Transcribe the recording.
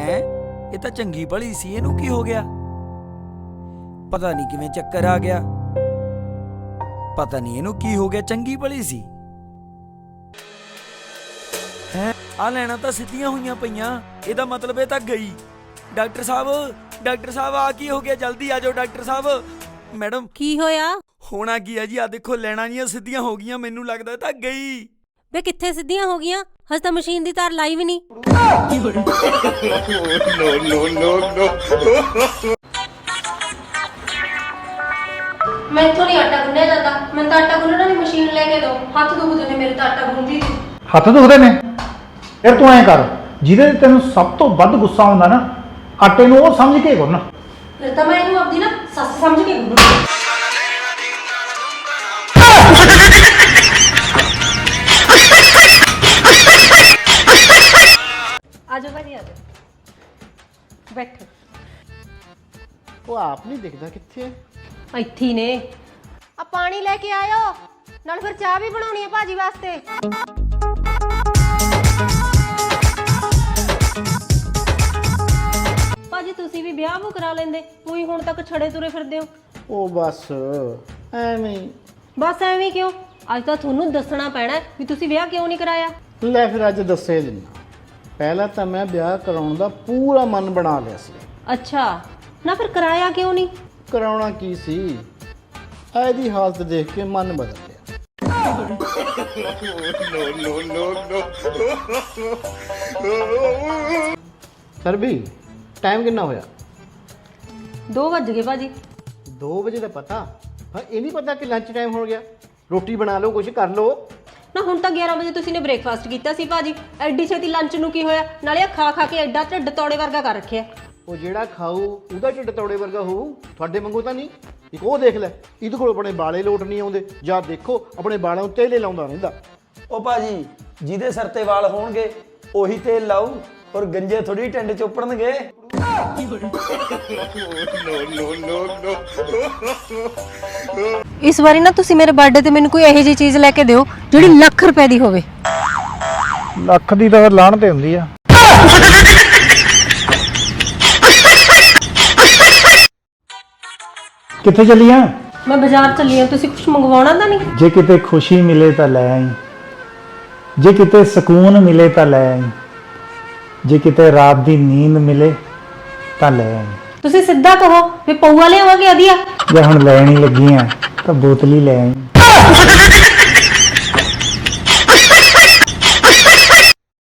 है ये तो चंगी भली सी, इनू की हो गया? पता नहीं किवें चक्कर आ गया, पता नहीं इनू की हो गया। चंगी भली सी है, आ लैना तो सीधियां हुईयां पईयां, इहदा मतलब ये तो गई। डॉक्टर साहब आ की हो गया? जल्दी आ जाओ डॉक्टर साहब। मैडम की होया? होना की है जी, आ देखो लैना जियां सीधियां हो गईयां, मैनू लगदा तां गई। वे कित्थे सिद्धियां हो गईयां? हज तां मशीन दी तार लाई भी नहीं। मैं इत्थों नहीं आटा गुन्निया जाता, मैं तो आटा गुन्नण वाली मशीन लेके दो। हत्थ दुखदे ने मेरे, तो आटा गुन्नदी सी। हत्थ दुखदे ने? फिर तू ऐ कर, ਜਿਹਦੇ ਤੇ ਤੈਨੂੰ ਸਭ ਤੋਂ ਵੱਧ ਗੁੱਸਾ ਆਉਂਦਾ ਨਾ, ਆਟੇ ਨੂੰ ਉਹ ਸਮਝ ਕੇ ਗੁੰਨ। फिर तो मैं इनू अपनी ना सस समझ के गुन्नू। आजो भाजी आजो, बैठो। ਉਹ ਆਪ ਨਹੀਂ ਦਿਖਦਾ ਕਿੱਥੇ ਹੈ। ਇੱਥੇ ਹੀ ਨੇ। ਆ ਪਾਣੀ ਲੈ ਕੇ ਆਇਓ, ਨਾਲ ਫਿਰ ਚਾਹ ਵੀ ਬਣਾਉਣੀ ਹੈ ਭਾਜੀ ਵਾਸਤੇ। ਭਾਜੀ ਤੁਸੀਂ ਵੀ ਵਿਆਹ ਕਰਾ ਲੈਂਦੇ, ਕੋਈ ਹੁਣ ਤੱਕ ਛੜੇ ਤੁਰੇ ਫਿਰਦੇ ਹੋ। ਉਹ ਬਸ ਐਵੇਂ ਹੀ। ਬਸ ਐਵੇਂ ਕਿਉਂ? ਅੱਜ ਤਾਂ ਤੁਹਾਨੂੰ ਦੱਸਣਾ ਪੈਣਾ ਵੀ ਤੁਸੀਂ ਵਿਆਹ ਕਿਉਂ ਨਹੀਂ ਕਰਾਇਆ। ਲੈ ਫਿਰ ਅੱਜ ਦੱਸੇ ਦਿੰਦਾ। ਪਹਿਲਾਂ ਤਾਂ ਮੈਂ ਵਿਆਹ ਕਰਾਉਣ ਦਾ ਪੂਰਾ ਮਨ ਬਣਾ ਲਿਆ ਸੀ। ਅੱਛਾ, ਨਾ ਫਿਰ ਕਰਾਇਆ ਕਿਉਂ ਨਹੀਂ? ਕਰਾਉਣਾ ਕੀ ਸੀ, ਇਹਦੀ ਹਾਲਤ ਦੇਖ ਕੇ ਮਨ ਬਦਲ ਗਿਆ। ਸਰ ਵੀ ਟਾਈਮ ਕਿੰਨਾ ਹੋਇਆ? 2 ਵੱਜ ਗਏ ਭਾਜੀ। 2 ਵਜੇ ਦਾ ਪਤਾ? ਹਾਂ, ਇਹ ਨਹੀਂ ਪਤਾ ਕਿ ਲੰਚ ਟਾਈਮ ਹੋ ਗਿਆ। ਰੋਟੀ ਬਣਾ ਲਓ, ਕੁਝ ਕਰ ਲਓ। ਨਾ ਹੁਣ ਤਾਂ 11 ਵਜੇ ਤੁਸੀਂ ਨੇ ਬ੍ਰੇਕਫਾਸਟ ਕੀਤਾ ਸੀ ਭਾਜੀ, ਐਡੀ ਛੇਤੀ ਲੰਚ ਨੂੰ ਕੀ ਹੋਇਆ? ਨਾਲੇ ਖਾ ਖਾ ਕੇ ਐਡਾ ਢਿੱਡ ਤੋੜੇ ਵਰਗਾ ਕਰ ਰੱਖਿਆ। ਉਹ ਜਿਹੜਾ ਖਾਊ ਉਹਦਾ ਢਿੱਡ ਤੌੜੇ ਵਰਗਾ ਹੋਊ, ਤੁਹਾਡੇ ਵਾਂਗੂ ਤਾਂ ਨਹੀਂ। ਇੱਕ ਉਹ ਦੇਖ ਲੈ, ਇਹਦੇ ਕੋਲ ਆਪਣੇ ਬਾਲੇ ਲੋਟ ਨਹੀਂ ਆਉਂਦੇ, ਜਾਂ ਦੇਖੋ ਆਪਣੇ ਬਾਲਾਂ ਉੱਤੇ ਤੇਲ ਲਾਉਂਦਾ ਰਹਿੰਦਾ। ਉਹ ਭਾਜੀ ਜਿਹਦੇ ਸਿਰ ਤੇ ਵਾਲ ਹੋਣਗੇ ਉਹੀ ਤੇਲ ਲਾਊ, ਔਰ ਗੰਜੇ ਥੋੜੀ ਟਿੰਡ ਚੋਪੜਨਗੇ। ਇਸ ਵਾਰੀ ਨਾ ਤੁਸੀਂ ਮੇਰੇ ਬਰਥਡੇ ਤੇ ਮੈਨੂੰ ਕੋਈ ਇਹੋ ਜਿਹੀ ਚੀਜ਼ ਲੈ ਕੇ ਦਿਓ ਜਿਹੜੀ ਲੱਖ ਰੁਪਏ ਦੀ ਹੋਵੇ। ਲੱਖ ਦੀ ਤਾਂ ਫਿਰ ਲਾਹਣ ਤੇ ਹੁੰਦੀ ਆ। ਕਿੱਥੇ ਚੱਲੀ ਆ? ਮੈਂ ਬਾਜ਼ਾਰ ਚੱਲੀ ਆ, ਤੁਸੀਂ ਕੁਝ ਮੰਗਵਾਉਣਾ ਤਾਂ ਨਹੀਂ? ਜੇ ਕਿਤੇ ਖੁਸ਼ੀ ਮਿਲੇ ਤਾਂ ਲੈ ਆਈ, ਜੇ ਕਿਤੇ ਸਕੂਨ ਮਿਲੇ ਤਾਂ ਲੈ ਆਈ, ਜੇ ਕਿਤੇ ਰਾਤ ਦੀ ਨੀਂਦ ਮਿਲੇ ਤਾਂ ਲੈ ਆਈ। ਤੁਸੀਂ ਸਿੱਧਾ ਕਹੋ ਵੀ ਪਊਆ ਲਿਆਵਾਂਗੇ ਵਧੀਆ। ਜੇ ਹੁਣ ਲੈਣ ਹੀ ਲੱਗੀ ਆ ਤਾਂ ਬੋਤਲ ਹੀ ਲੈ ਆਈ।